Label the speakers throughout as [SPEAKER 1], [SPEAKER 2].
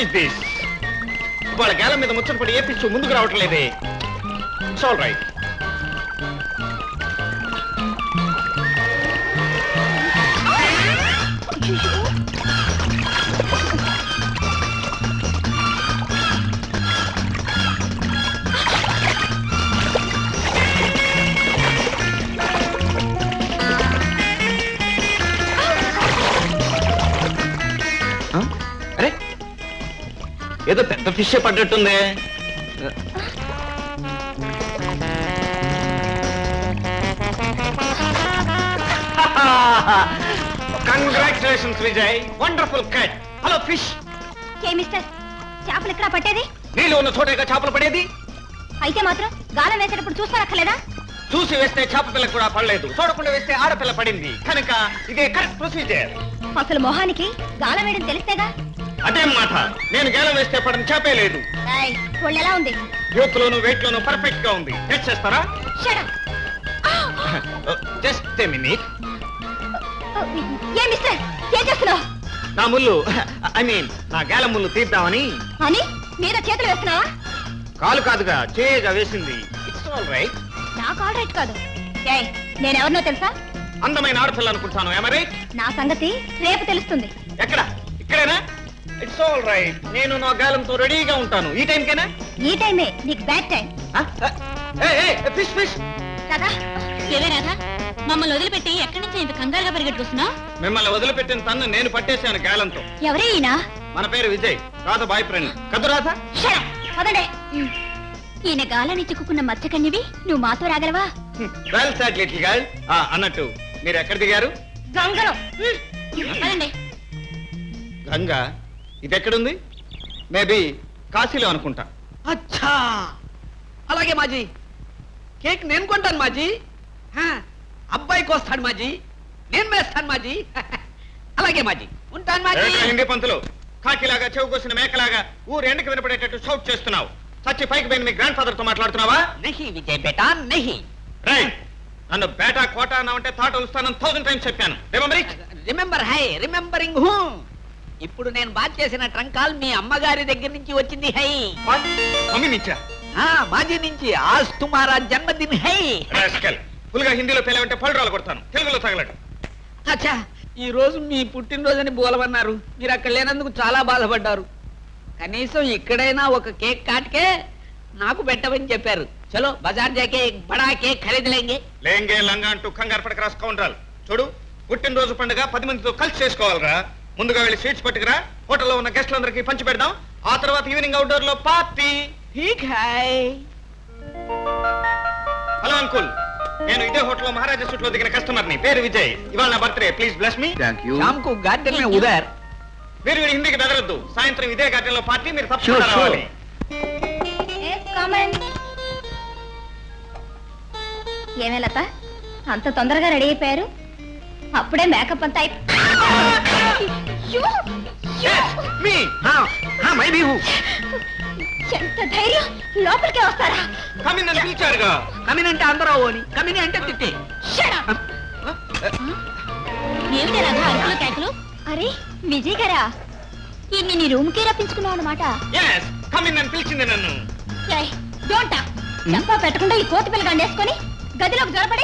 [SPEAKER 1] Is this? వాళ్ళ గేల మీద ముచ్చట పడి ఏ పిచ్చు ముందుకు రావట్లేదే. It's all right. అరే ఏదో పెద్ద ఫిష్ పడ్డట్టుందే. Congratulations Vijay, wonderful cut. Hello fish.
[SPEAKER 2] ఏ మిస్టర్, చేపలు ఎక్కడ పట్టేది?
[SPEAKER 1] నీళ్ళు ఉన్న చోటగా చేపలు పడేది.
[SPEAKER 2] అయితే మాత్రం గాలం వేసేటప్పుడు చూస్తారక్కలేదా?
[SPEAKER 1] చూసి వేస్తే చేప పిల్ల కూడా పడలేదు, చూడకుండా వేస్తే ఆడపిల్ల పడింది. కనుక ఇదే కరెక్ట్ ప్రొసీజర్.
[SPEAKER 2] అసలు మొహానికి గాలం వేయడం తెలిస్తేగా.
[SPEAKER 1] అదేం మాట, నేను గేలం వేస్తే పడని చేపే లేదు.
[SPEAKER 2] ఒళ్ళు ఎలా ఉంది?
[SPEAKER 1] యూత్ లోను వెయిట్ లోను పర్ఫెక్ట్ గా ఉంది. టెస్ట్ చేస్తారా? Just a minute.
[SPEAKER 2] ఏ మిస్టర్, ఏం చేస్తున్నావు?
[SPEAKER 1] నా ముళ్ళు, ఐ మీన్ నా గేలం ముళ్ళు తీద్దామని.
[SPEAKER 2] అని మీద చేతులు వేస్తున్నావా?
[SPEAKER 1] కాలు కాదుగా, చేయగా వేసింది. It's all right.
[SPEAKER 2] నాకు ఆల్ రైట్ కాదు. నేనెవరినో తెలుసా?
[SPEAKER 1] అందమైన ఆడపిల్ల అనుకుంటాను. ఏమ రైట్?
[SPEAKER 2] నా సంగతి రేపు తెలుస్తుంది.
[SPEAKER 1] ఎక్కడ? ఇక్కడేనా? It's all right. నేను నా గాలంతో రెడీగా ఉంటాను. ఈ టైంకేనా?
[SPEAKER 2] ఈ టైమే నీకు bad time.
[SPEAKER 1] Fish fish.
[SPEAKER 2] Radha, ఏవే రాధా, మమ్మల్ని వదిలిపెట్టి ఎక్కడి నుంచి ఇంత కంగారుగా పరిగెట్టుకొస్తున్నావు?
[SPEAKER 1] మిమ్మల్ని వదిలిపెట్టిన తన్ను నేను పట్టేశాను గాలంతో.
[SPEAKER 2] ఎవరే ఈయన?
[SPEAKER 1] మన పేరు విజయ్, రాధ బాయ్ ఫ్రెండ్. కదు రాధా?
[SPEAKER 2] పదండి. ఈయన గాలని చిక్కుకున్న మత్స్యకన్యవి, నువ్వు మాతో రాగలవా?
[SPEAKER 1] Well sad little girl. అన్నట్టు మీరు ఎక్కడ దిగారు?
[SPEAKER 2] గంగలో. పదండి.
[SPEAKER 1] గంగా? ఇది ఎక్కడుంది? మేబీ కాశీలో అనుకుంటా.
[SPEAKER 3] అచ్చా, అలాగే మాజీ. కేక్ నేను కొంటాను మాజీ. అబ్బాయికి వస్తాడు మాజీ, నేను వేస్తాను మాజీ. అలాగే మాజీ, ఉంటాను మాజీ.
[SPEAKER 1] హిందీ పంతులు, కాకిలాగా చెవు కోసిన మేకలాగా ఊరు ఎండకి వినపడేటట్టు షౌట్ చేస్తున్నావు. సచ్చి పైకి పోయిన మీ గ్రాండ్ ఫాదర్ తో మాట్లాడుతున్నావా?
[SPEAKER 3] నహి విజయ్ బేటా, నహి.
[SPEAKER 1] నన్ను బేటా కోటా అన్నావంటే తాట వస్తానని 1000 టైమ్స్ చెప్పాను.
[SPEAKER 3] Remember hi, remembering who. ఇప్పుడు నేను బాత్ చేసిన ట్రంక్ కాల్ మీ అమ్మగారి దగ్గర నుంచి వచ్చింది. హై
[SPEAKER 1] మమ్మీ నిచ్చా?
[SPEAKER 3] మాజీ నుంచి. ఆజ్ తుమారా జన్మదిన్ హై.
[SPEAKER 1] ఫుల్గా హిందీలో పేలేవంటే పళ్ళు కొడతాను, తెలుగులో తగలడు.
[SPEAKER 3] అచ్చా, ఈ రోజు మీ పుట్టినరోజని బోలవన్నారు. మీరు అక్కడ లేనందుకు చాలా బాధపడ్డారు. కనీసం ఇక్కడైనా ఒక కేక్ కాట్కే నాకు పెట్టమని చెప్పారు. చలో బజార్ జాకే బడా కేక్ ఖరీదులేంగే.
[SPEAKER 1] లేంగే లంగా అంటూ కంగారు పడక రాసుకోండి. చూడు, పుట్టినరోజు పండుగ 10 మందితో కలిసి చేసుకోవాలరా. ముందుగా వెళ్ళి స్వీట్స్ పట్టుకురా, హోటల్లో ఉన్న గెస్టులందరికీ పంచి పెడదాం. ఆ తర్వాత ఈవినింగ్ అవుట్డోర్ లో పార్టీ. హలో అంకుల్, నేను ఇదే హోటల్లో మహారాజా సూట్ లో దిగిన కస్టమర్ ని. పేరు విజయ్. ఇవాళ నా బర్త్డే, ప్లీజ్ బ్లెస్ మీ.
[SPEAKER 3] శాంకు గార్డెన్ మే ఉదర్.
[SPEAKER 1] మీరు హిందీకి బెదరద్దు. సాయంత్రం ఇదే గార్డెన్ లో పార్టీ, మీరు తప్పకుండా రావాలి.
[SPEAKER 2] ఏమే లత, అంత తొందరగా రెడీ అయిపోయారు? అప్పుడే మేకప్ అంతా ఎంత ధైర్యం! లోపలికే వస్తారా?
[SPEAKER 1] కమిన్ అని పిలిచారుగా.
[SPEAKER 3] కమిన్ అంటే అందరూ ఓని, కమిన్ అంటే తిట్టి.
[SPEAKER 2] అరే విజయ్ గారా, ఇన్ని నీ రూమ్ కి రప్పించుకున్నావు అనమాట.
[SPEAKER 1] కమిన్ అని పిలిచింది నన్ను.
[SPEAKER 2] చంపా పెట్టకుండా ఈ కోతి పిల్ల గండేసుకొని గదిలోకి జరపడి.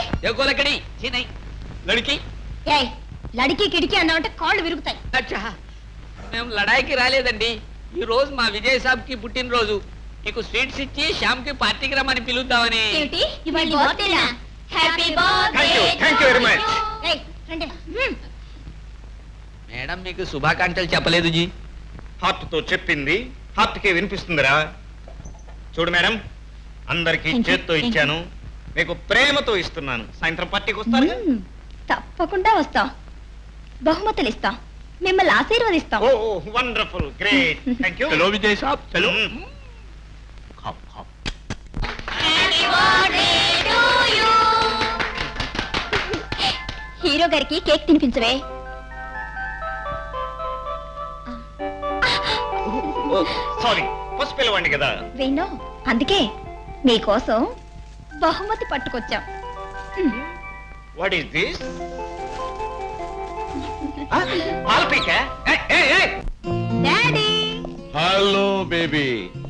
[SPEAKER 2] లడికి కిడికి అన్నామంటే కాళ్ళు విరుగుతాయి.
[SPEAKER 3] అచ్చా, మేము లడాయికి రాలేదండి. ఈ రోజు మా విజయ్ సాబ్ కి పుట్టినరోజు. నీకు స్వీట్స్ ఇచ్చి శ్యామ్ కి పార్టీకి రమ్మని పిలుద్దామని. మేడం మీకు శుభాకాంక్షలు చెప్పలేదు జీ.
[SPEAKER 1] హార్ట్ తో చెప్పింది హార్ట్ కే వినిపిస్తుందిరా. చూడు మేడం, అందరికి చేత్తో ఇచ్చాను, మీకు ప్రేమతో ఇస్తున్నాను. సాయంత్రం పార్టీకి వస్తారు?
[SPEAKER 2] తప్పకుండా వస్తాం. బహుమతులు ఇస్తాం, మిమ్మల్ని ఆశీర్వదిస్తాం.
[SPEAKER 1] Oh wonderful, great, thank you.
[SPEAKER 4] చలో విజయ్ సాబ్, చలో.
[SPEAKER 2] హీరో గారికి కేక్ తినిపించవే.
[SPEAKER 1] సారీ, ఫస్ట్ పిలవండి కదా.
[SPEAKER 2] వేణు, అందుకే మీకోసం బహుమతి పట్టుకొచ్చాం.
[SPEAKER 1] What is this? పాలపీక?
[SPEAKER 2] డాడీ,
[SPEAKER 4] బేబీ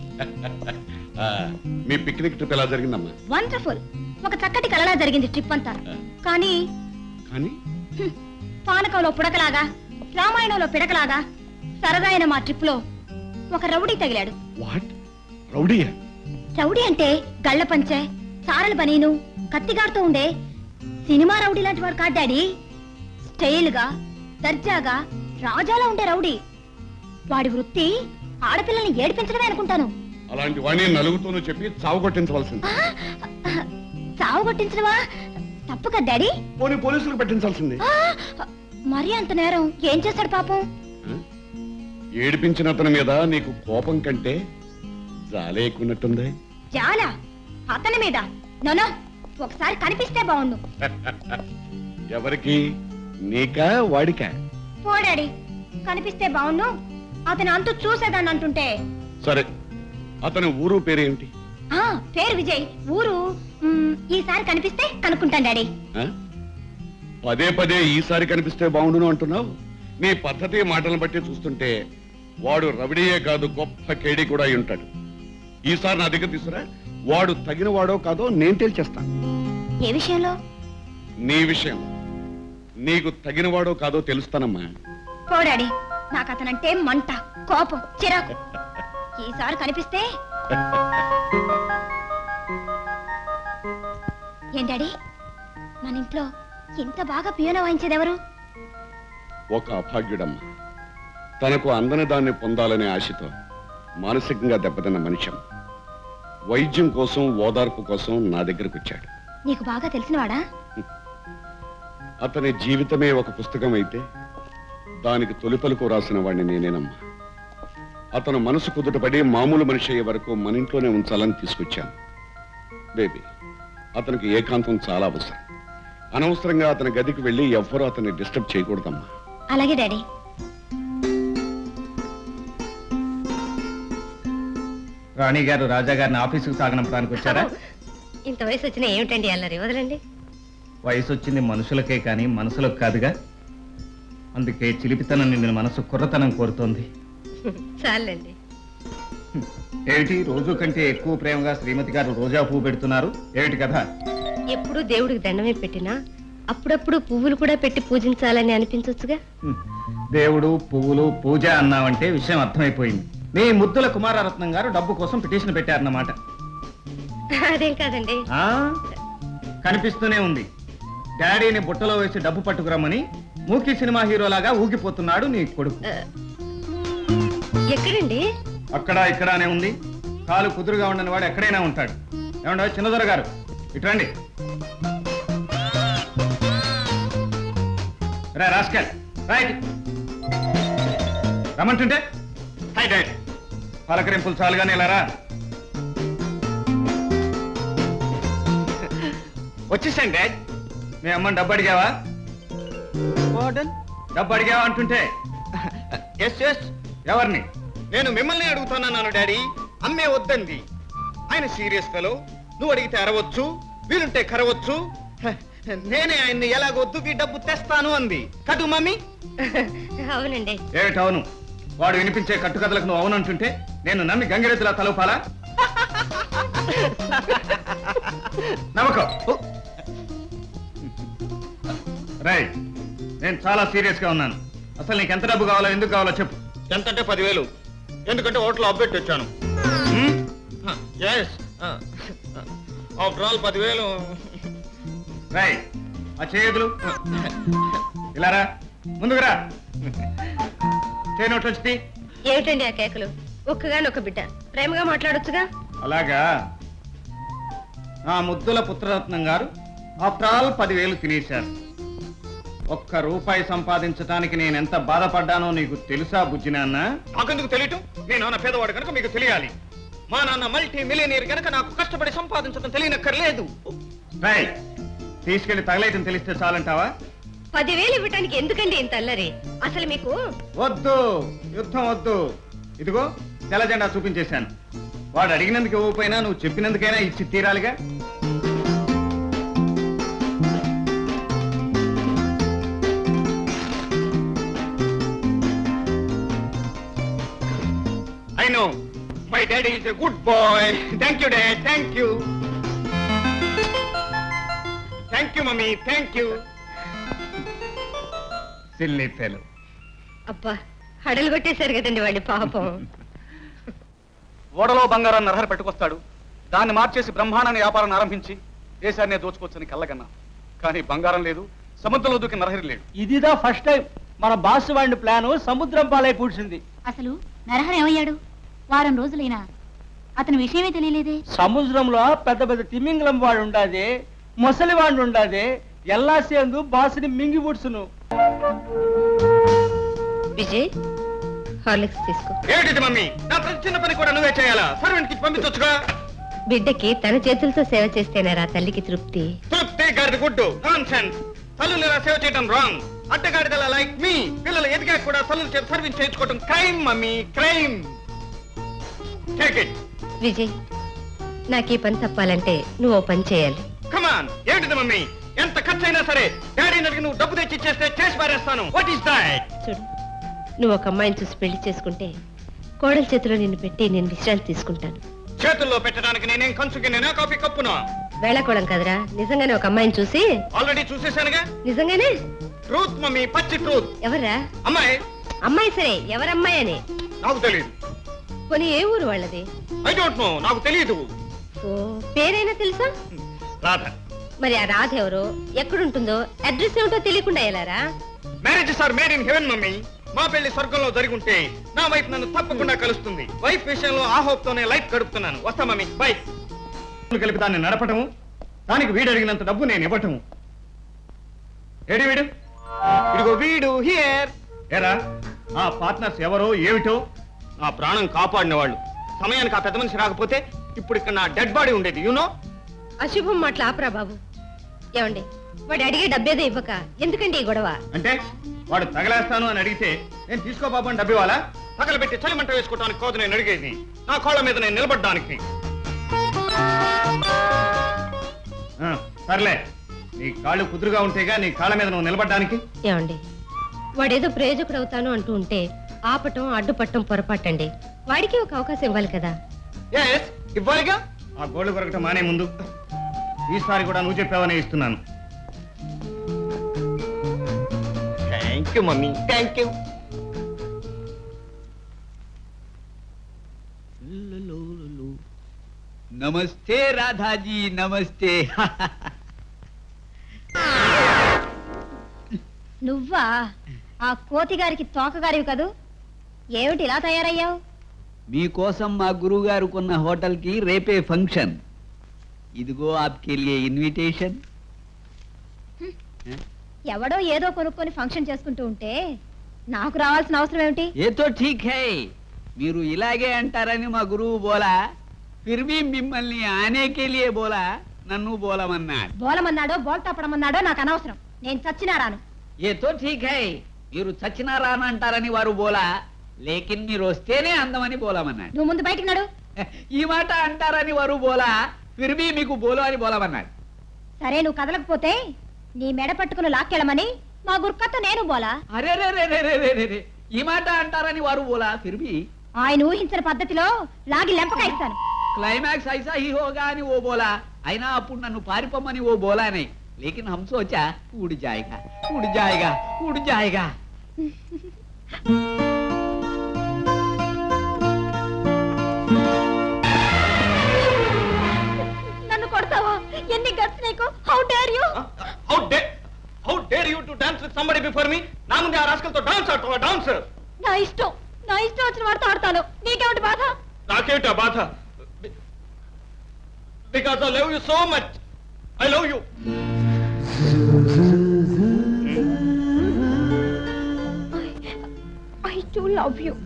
[SPEAKER 4] మీ పిక్నిక్ ట్రిప్ ఎలా జరిగిందమ్మా?
[SPEAKER 2] వండర్ఫుల్. ఒక చక్కటి కలలా జరిగింది ట్రిప్ అంతా. కానీ
[SPEAKER 4] కానీ
[SPEAKER 2] పానకంలో పుడకలాగా, రామాయణంలో పిడకలాగా సరదా అయిన మా ట్రిప్ లో ఒక రౌడీ తగిలాడు.
[SPEAKER 4] వాట్? రౌడీయా?
[SPEAKER 2] రౌడీ అంటే గళ్ళ పంచె, సారల బనీను, కత్తిగాడుతూ ఉండే సినిమా రౌడీ లాంటి వాడు కాదు డాడీ. స్టైల్ గా, దర్జాగా, రాజాలా ఉండే రౌడీ. వాడి వృత్తి ఆడపిల్లల్ని ఏడిపించడమే అనుకుంటాను.
[SPEAKER 4] అలాంటి వాడిని నలుగుతూనూ చెప్పి చావు కొట్టించవలసింది.
[SPEAKER 2] చావు కొట్టించడమా? తప్పు కదా డాడీ.
[SPEAKER 4] పోనీ పోలీసులకు పెట్టించాల్సింది.
[SPEAKER 2] మరి అంత నేరం ఏం చేశాడు పాపం?
[SPEAKER 4] ఏడిపించిన అతని మీద నీకు కోపం కంటే జాలే ఎక్కున్నట్టుంది.
[SPEAKER 2] చాలా అతని మీద. నోనో, ఒకసారి కనిపిస్తే బాగుండు.
[SPEAKER 4] ఎవరికి? నీకా వాడికా?
[SPEAKER 2] పోడాడి, కనిపిస్తే బాగుండు. అతను అంతు చూసేదాన్ని అంటుంటే.
[SPEAKER 4] సరే, అతని ఊరు పేరేమిటి?
[SPEAKER 2] పేరు విజయ్, ఊరు ఈసారి కనిపిస్తే కనుక్కుంటాను డాడీ.
[SPEAKER 4] ఆ? పదే పదే ఈసారి కనిపిస్తే బాగుండును అంటున్నావు. నీ పద్ధతి మాటలను బట్టి చూస్తుంటే వాడు రవిడియే కాదు, గొప్ప కేడి కూడా అయి ఉంటాడు. ఈసారి నా దగ్గర తీసుకురా. వాడు తగిన వాడో కాదో నేను తేల్చేస్తాను.
[SPEAKER 2] ఏ విషయంలో?
[SPEAKER 4] నీ విషయం. నీకు తగిన వాడో కాదో తెలుస్తానమ్మా.
[SPEAKER 2] పోడాడి, నాకు అతనంటే మంట, కోపం, చిరాకు. ఈసారి కనిపిస్తే. ఏం డాడీ, మన ఇంట్లో ఇంత బాగా పియోనో వాయించేదెవరు?
[SPEAKER 4] ఒక అభాగ్యుడమ్మ. తనకు అందని దాన్ని పొందాలనే ఆశతో మానసికంగా దెబ్బతిన్న మనిషి. వైద్యం కోసం, ఓదార్పు కోసం నా దగ్గరకు వచ్చాడు.
[SPEAKER 2] నీకు బాగా తెలిసినవాడా?
[SPEAKER 4] అతని జీవితమే ఒక పుస్తకం అయితే దానికి తొలి పలుకు రాసిన వాడిని నేనేనమ్మా. అతను మనసు కుదుటపడి మామూలు మనిషి అయ్యే వరకు మన ఇంట్లోనే ఉంచాలని తీసుకొచ్చాను. బేబీ, అతనికి ఏకాంతం చాలా అవసరం. అనవసరంగా అతని గదికి వెళ్ళి ఎవ్వరూ అతన్ని డిస్టర్బ్ చేయకూడదమ్మా.
[SPEAKER 2] అలాగే డాడీ.
[SPEAKER 1] రాణి గారు రాజా గారిని ఆఫీసుకు సాగనంపడానికి వచ్చారా?
[SPEAKER 2] ఇంత వయసు వచ్చిన ఏమిటండి అల్లరి? వదలండి.
[SPEAKER 1] వయసు వచ్చింది మనుషులకే కానీ మనసులకు కాదుగా. అందుకే చిలిపితనం నిండిన మనసు కుర్రతనం కోరుతోంది.
[SPEAKER 2] చాలండి.
[SPEAKER 1] ఏమిటి రోజు కంటే ఎక్కువ ప్రేమగా శ్రీమతి గారు రోజా పువ్వు పెడుతున్నారు? ఏమిటి కదా?
[SPEAKER 5] ఎప్పుడు దేవుడికి దండమే పెట్టినా అప్పుడప్పుడు పువ్వులు కూడా పెట్టి పూజించాలని అనిపించొచ్చుగా.
[SPEAKER 1] దేవుడు, పువ్వులు, పూజ అన్నావంటే విషయం అర్థమైపోయింది. మీ ముద్దుల కుమారరత్నం గారు డబ్బు కోసం పిటిషన్ పెట్టారన్నమాట.
[SPEAKER 5] అదేం కాదండి.
[SPEAKER 1] కనిపిస్తూనే ఉంది. డాడీని బుట్టలో వేసి డబ్బు పట్టుకురమ్మని మూకీ సినిమా హీరోలాగా ఊగిపోతున్నాడు నీ కొడుకు.
[SPEAKER 5] ఎక్కడండి?
[SPEAKER 1] అక్కడ ఇక్కడానే ఉంది. కాలు కుదురుగా ఉండని వాడు ఎక్కడైనా ఉంటాడు. ఏమండో చిన్నదొర గారు, ఇట్రండి. రా రాస్కల్, రైట్ రమ్మంటుంటే. హై డాడ్, పలకరింపులు చాలుగానే ఇలా రా. వచ్చేసాను డాడ్. మీ అమ్మని డబ్బు అడిగావా? డబ్బు అడిగావా అంటుంటే.
[SPEAKER 6] ఎస్ ఎస్,
[SPEAKER 1] ఎవరిని?
[SPEAKER 6] నేను మిమ్మల్ని అడుగుతున్నాను డాడీ. అమ్మే వద్దంది. ఆయన సీరియస్ ఫెలో. నువ్వు అడిగితే అరవచ్చు, వీలుంటే కరవచ్చు. నేనే ఆయన్ని ఎలాగొద్దుకి డబ్బు తెస్తాను అంది కదూ మమ్మీ?
[SPEAKER 5] అవునండి.
[SPEAKER 1] ఏమిటి అవును? వాడు వినిపించే కట్టుకథలకు నువ్వు అవునంటుంటే నేను నమ్మి గంగిరెద్దులా తలపాలా? నమ్మకం. రైట్, నేను చాలా సీరియస్ గా ఉన్నాను. అసలు నీకు ఎంత డబ్బు కావాలో, ఎందుకు కావాలో చెప్పు.
[SPEAKER 6] ఎంతంటే 10,000. ఎందుకంటే హోటల్ అప్డేట్ వచ్చాను. Yes, after all 10,000.
[SPEAKER 1] రైట్, ఆ చేతులు ఇలా రా, ముందుకు రా. చేయనోట్లు వచ్చి.
[SPEAKER 5] ఏమిటండి ఆ కేకలు? ఒక్కగానొక్క బిడ్డ, ప్రేమగా మాట్లాడొచ్చుగా.
[SPEAKER 1] అలాగా? ఆ ముద్దుల పుత్రరత్నం గారు ఆఫ్టర్ ఆల్ 10,000 తినేశారు. ఒక్క రూపాయి సంపాదించడానికి నేనెంత బాధపడ్డానో నీకు తెలుసా బుజ్జి నాన్న?
[SPEAKER 6] నాకెందుకు తెలియటం? మీ నాన్న పేదవాడు కనుక మీకు తెలియాలి. మా నాన్న మల్టీ మిలియనీర్ కనుక నాకు కష్టపడి సంపాదించడం తెలియనక్కర్లేదు.
[SPEAKER 1] రైట్, తీసుకెళ్లి తగలేయటం తెలిస్తే చాలంటావా?
[SPEAKER 5] 10,000 ఇవ్వటానికి ఎందుకండి ఇంత అల్లరి? అసలు మీకు
[SPEAKER 1] వద్దు, యుద్ధం వద్దు. ఇదిగో తెల్ల జెండా చూపించేశాను. వాడు అడిగినందుకు ఇవ్వకపోయినా నువ్వు చెప్పినందుకైనా ఇచ్చి తీరాలిగా.
[SPEAKER 6] I know my daddy is a good boy. Thank you dad, thank you. Thank you mummy, thank you.
[SPEAKER 1] Silly fellow.
[SPEAKER 5] అబ్బా హడలు కొట్టేశారు కదండి వాళ్ళు పాపం.
[SPEAKER 7] ఓడలో బంగారాన్ని నరహరి పెట్టుకొస్తాడు, దాన్ని మార్చేసి బ్రహ్మాండాన్ని వ్యాపారాన్ని ఆరంభించి దేశాన్నే దోచుకోవచ్చని కళ్ళగన్నా. కానీ బంగారం లేదు, సముద్రంలో దూకి నరహరి లేడు.
[SPEAKER 3] ఇదిదా ఫస్ట్ టైం మన బాస్ వాడిని ప్లాను సముద్రం పాలై పూడ్చింది.
[SPEAKER 2] అసలు నరహరి ఏమయ్యాడు? వారం రోజులైనా అతని విషయమే తెలియలేదే.
[SPEAKER 3] సముద్రంలో పెద్ద పెద్ద తిమింగలం వాడు ఉండాది, మొసలి వాడు ఉండాది, ఎల్లా సేందు బాసుని మింగి పుడుచును.
[SPEAKER 5] విజయ్ హార్లిక్స్ తీసుకో.
[SPEAKER 6] ఏమిటి మమ్మీ, నా ప్రతి చిన్న పని కూడా నువ్వే చేయాలా? సర్వెంట్ కి పంపించొచ్చుగా.
[SPEAKER 5] బిడ్డకి తన చేతులతో సేవ చేస్తేనేరా తల్లికి తృప్తి.
[SPEAKER 6] తృప్తి గారిది గుడ్డు, నాన్సెన్స్. తల్లులు ఇలా సేవ చేయడం రాంగ్. అడ్డగాడిదలా లైక్ మీ పిల్లలు ఎదిగా కూడా తల్లులు చేత సర్వీస్ చేయించుకోవడం crime mummy, crime. Take it.
[SPEAKER 5] Vijay నాకు ఈ పని తప్పాలంటే నువ్వు ఓ పని చేయాలి.
[SPEAKER 6] కమాన్. ఏమిటిది మమ్మీ? ఎంత ఖర్చైనా సరే డాడీని అడిగి నువ్వు డబ్బు తెచ్చి ఇచ్చేస్తే చేసి పారేస్తాను. What is that?
[SPEAKER 5] చూడు, నువ్వు ఒక అమ్మాయిని చూసి పెళ్లి చేసుకుంటే కోడల చేతిలో నిన్ను పెట్టి నేను విశ్రాంతి తీసుకుంటాను.
[SPEAKER 6] చేతుల్లో పెట్టడానికి నేనేం కంచుకి నేనా కాఫీ కప్పునా?
[SPEAKER 5] వేళకోళం కదరా, నిజంగానే ఒక అమ్మాయిని చూసి.
[SPEAKER 6] ఆల్రెడీ చూసేశానుగా.
[SPEAKER 5] నిజంగానే?
[SPEAKER 6] ట్రూత్ మమ్మీ, పచ్చి ట్రూత్.
[SPEAKER 5] ఎవరా
[SPEAKER 6] అమ్మాయి?
[SPEAKER 5] అమ్మాయి సరే, ఎవరమ్మాయి అని?
[SPEAKER 6] నాకు తెలియదు.
[SPEAKER 5] పోనీ ఏ ఊరు వాళ్ళది?
[SPEAKER 6] ఐ డోంట్ నో, నాకు తెలియదు.
[SPEAKER 5] ఓ పేరైనా తెలుసా?
[SPEAKER 6] రాధ.
[SPEAKER 5] మరి ఆ రాధ ఎవరో, ఎక్కడుంటుందో, అడ్రస్ ఏమిటో తెలియకుండా ఎలారా?
[SPEAKER 6] Marriages are made in heaven mummy. మా పెళ్లి స్వర్గంలో జరుగుంటే నా వైఫ్ నన్ను తప్పకుండా కలుస్తుంది. వైఫ్ విషయంలో ఆ హోప్ తోనే లైఫ్ గడుపుతున్నాను. వస్తా మమ్మీ, బై. కలిపి దాన్ని నడపటము, దానికి వీడు అడిగినంత డబ్బు నేను ఇవ్వటము. ఏడి వీడు? ఇదిగో వీడు హియర్. ఏరా, ఆ పార్ట్నర్స్ ఎవరో ఏమిటో? నా ప్రాణం కాపాడిన వాళ్ళు. సమయానికి ఆ పెద్ద మనిషి రాకపోతే ఇప్పుడు ఇక్కడ నా డెడ్ బాడీ ఉండేది. యూనో.
[SPEAKER 5] అశుభం మాటలు ఆపరా బాబు. ఏమండి, వాడు అడిగే డబ్బేదో ఇవ్వక ఎందుకండి ఈ గొడవ?
[SPEAKER 6] అంటే వాడు తగలేస్తాను అని అడిగితే నేను తీసుకో బాబు అని డబ్బు ఇవ్వాలా? తగలబెట్టి చలిమంట వేసుకోవడానికి కాదు నేను అడిగేది, నా కాళ్ళ మీద నేను నిలబడ్డానికి. సర్లే, నీ కాళ్ళు కుదురుగా ఉంటేగా నీ కాళ్ళ మీద నువ్వు నిలబడ్డానికి.
[SPEAKER 5] ఏమండి, వాడేదో ప్రయోజకుడు అవుతాను అంటూ ఉంటే ఆపటం అడ్డుపట్టం పొరపాటండి. వాడికి ఒక అవకాశం ఇవ్వాలి కదా.
[SPEAKER 6] ఎస్, ఇవ్వాలిగా. ఆ గోళ్ళు కొరకటం మానే ముందు ఈసారి కూడా నువ్వు చెప్పావనే ఇస్తున్నాను. Thank you mummy, thank you.
[SPEAKER 3] నమస్తే రాధాజీ, నమస్తే.
[SPEAKER 2] నువ్వా? ఆ కోతి గారికి తోకగారివి కదూ. ఏమిటి ఇలా తయారయ్యావు?
[SPEAKER 3] మీకోసం మా గురువు గారు కొన్న హోటల్ కి రేపే ఫంక్షన్. ఇదిగో ఆప్కే లియే ఇన్విటేషన్.
[SPEAKER 2] ఎవడో ఏదో కొనుక్కొని ఫంక్షన్ చేసుకుంటూ ఉంటే నాకు రావాల్సిన అవసరం ఏమిటి?
[SPEAKER 3] ఏతో ఠీక్ హై, మీరు ఇలాగే అంటారని మా గురువు బోలా, ఫిర్ భీ మిమ్మల్ని ఆనేకే లియే బోలా, నన్ను బోలమన్నాడు.
[SPEAKER 2] బోలమన్నాడో బోల్తాపడమన్నాడో నాకు అనవసరం. నేను చచ్చినా రాను.
[SPEAKER 3] ఏతో ఠీక్ హై, మీరు చచ్చినారా అని అంటారని వారు బోలా, లేకిన్ మీరు వస్తేనే అందమని బోలమన్నాడు.
[SPEAKER 2] నువ్వు ముందు బయటికి నడు.
[SPEAKER 3] ఈ మాట అంటారని వారు బోలా, ఫిర్ భీ మీకు బోలో అని బోలమన్నాడు.
[SPEAKER 2] సరే, నువ్వు కదలకపోతే నీ మెడ పట్టుకుని లాక్కెళ్ళమని మా గుర్కతో నేను బోలా.
[SPEAKER 3] అరే రే రే రే రే రే రే, ఈ మాట అంటారని వారు బోలా, ఫిర్ భీ
[SPEAKER 2] ఆయన ఊహించిన పద్ధతిలో లాగి లెంపకాయిస్తాను.
[SPEAKER 3] క్లైమాక్స్ ఐసా హీ హోగా అని ఓ బోలా, అయినా అప్పుడు నన్ను పారిపోమని ఓ బోలానే, లేకిన్ హమ్ సోచా ఉడ్ జాయేగా ఉడ్ జాయేగా ఉడ్ జాయేగా.
[SPEAKER 2] నన్ను కొడతావా? ఎన్ని గట్స్ నీకు? How dare you?
[SPEAKER 6] How dare you to dance with somebody before me? నా ముందే ఆ రాస్కల్తో డాన్స్ ఆడతావా? డాన్స్?
[SPEAKER 2] నా ఇష్టం వచ్చిన వాడితో ఆడతాను. నీకేమిటి బాధ?
[SPEAKER 6] నాకేమిటా బాధ? Because I love you so much. I love you.
[SPEAKER 2] I do love you.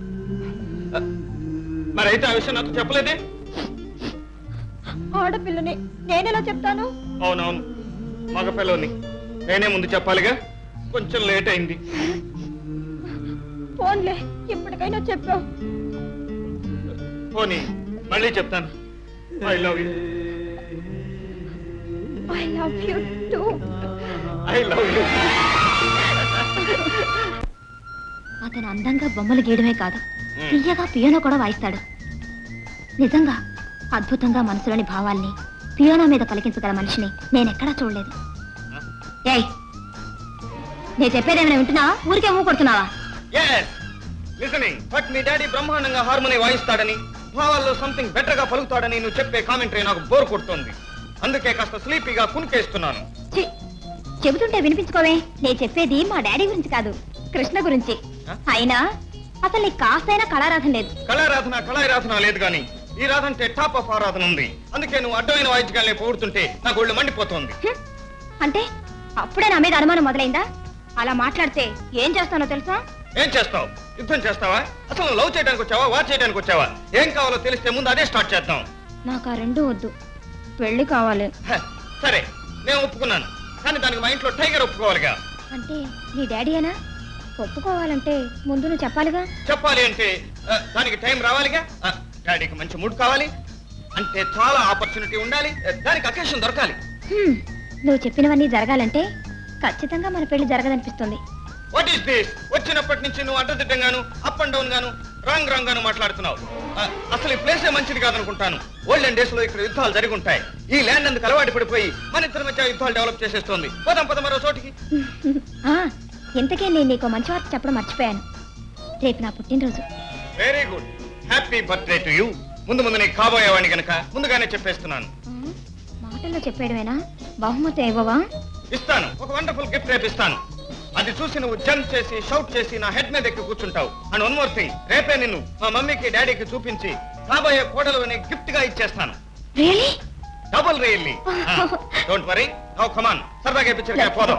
[SPEAKER 6] మరి అయితే ఆ విషయం నాకు చెప్పలేదే?
[SPEAKER 2] ఆడపిల్లని నేనెలా చెప్తాను?
[SPEAKER 6] అవునవును, మగ పిల్లని నేనే ముందు చెప్పాలిగా. కొంచెం లేట్ అయింది.
[SPEAKER 2] ఫోన్లే, ఇప్పటికైనా చెప్పావు.
[SPEAKER 6] పోనీ మళ్ళీ చెప్తాను. I love you.
[SPEAKER 2] I love you too.
[SPEAKER 6] I love you.
[SPEAKER 2] అతను అందంగా బొమ్మలు గీయడమే కాదు, తీయగా పియానో కూడా వాయిస్తాడు. నిజంగా అద్భుతంగా మనసులోని భావాల్ని పియానో మీద పలికించగల మనిషిని నేనెక్కడా చూడలేదు. ఏయ్, నేను చెప్పేదేమైనా వింటున్నావా? ఊరికే ఊ కొడుతున్నావా?
[SPEAKER 6] లిసనింగ్ బట్ మీ డాడీ బ్రహ్మాండంగా హార్మోని వాయిస్తాడని, భావాల్లో సంథింగ్ బెటర్ గా పలుకుతాడని నువ్వు చెప్పే కామెంటరీ నాకు బోర్ కొడుతోంది. అందుకే కాస్త స్లీపీగా కునికేస్తున్నాను.
[SPEAKER 2] ఛీ, చెబుతుంటే వినిపించుకోవే. నేను చెప్పేది మా డాడీ గురించి కాదు, కృష్ణ గురించి. అయినా అసలు నీకు కాస్తైనా కళారాధన లేదు.
[SPEAKER 6] కళారాధన లేదు గాని ఈ రాధ అంటే టాప్ ఆఫ్ ఆరాధన ఉంది. అందుకే నువ్వు అడ్డమైన వాయిద్యాలనే పొగుడుతుంటే నాకు ఒళ్ళు మండిపోతోంది.
[SPEAKER 2] అంటే అప్పుడే నా మీద అనుమానం మొదలైందా? అలా మాట్లాడితే ఏం చేస్తానో తెలుసా?
[SPEAKER 6] ఏం చేస్తావు? యుద్ధం చేస్తావా? అసలు నువ్వు లవ్ చేయడానికి వచ్చావా, వార్ చేయడానికి వచ్చావా? ఏం కావాలో తెలిస్తే ముందు అదే స్టార్ట్ చేద్దాం.
[SPEAKER 2] నాకు ఆ రెండు వద్దు, పెళ్లి కావాలి.
[SPEAKER 6] సరే, నేను ఒప్పుకున్నాను. కానీ దానికి మా ఇంట్లో టైగర్ ఒప్పుకోవాలిగా.
[SPEAKER 2] అంటే నీ డాడీయేనా? ఒప్పుకోవాలంటే ముందు నువ్వు చెప్పాలిగా.
[SPEAKER 6] చెప్పాలి అంటే దానికి టైం రావాలిగా. డాడీకి మంచి మూడ్ కావాలి అంటే చాలా ఆపర్చునిటీ ఉండాలి. దానికి అకేషన్ దొరకాలి.
[SPEAKER 2] నువ్వు చెప్పినవన్నీ జరగాలంటే ఖచ్చితంగా మన పెళ్లి జరగదనిపిస్తుంది.
[SPEAKER 6] What is this? వచ్చినప్పటి నుంచి నువ్వు అడ్డదిడ్డంగాను, అప్ అండ్ డౌన్ గాను, రాంగ్ గాను మాట్లాడుతున్నావు. అసలు ఈ ప్లేసే మంచిది కాదనుకుంటాను. ఓల్డెన్ డేస్ లో ఇక్కడ యుద్ధాలు జరిగి ఉంటాయి. ఈ ల్యాండ్ అందుకు అలవాటు పడిపోయి మన ఇద్దరి మధ్య యుద్ధాలు డెవలప్ చేసేస్తోంది. పద మరో చోటికి.
[SPEAKER 2] ఇంతకే నేను నీకు మంచి వార్త చెప్పడం మర్చిపోయాను. రేపు నా పుట్టినరోజు.
[SPEAKER 6] Very good, happy birthday to you. ముందు నీకు కాబోయేవాడిని గనక ముందుగానే చెప్పేస్తున్నాను.
[SPEAKER 2] మాటల్లో చెప్పేయడమేనా? బహుమతి ఇవ్వవా?
[SPEAKER 6] ఇస్తాను. ఒక వండర్ఫుల్ గిఫ్ట్ రేపు ఇస్తాను. అది చూసి నువ్వు జంప్ చేసి షౌట్ చేసి నా హెడ్ మీద ఎక్కి కూర్చుంటావు. అండ్ వన్ మోర్ థింగ్, రేపే నిన్ను మా మమ్మీకి డాడీకి చూపించి కాబోయే కోడలు అనే గిఫ్ట్ గా ఇచ్చేస్తాను.
[SPEAKER 2] Really?
[SPEAKER 6] Double really. Don't worry. Now come on, సరదాగా పిక్చర్ పోదాం.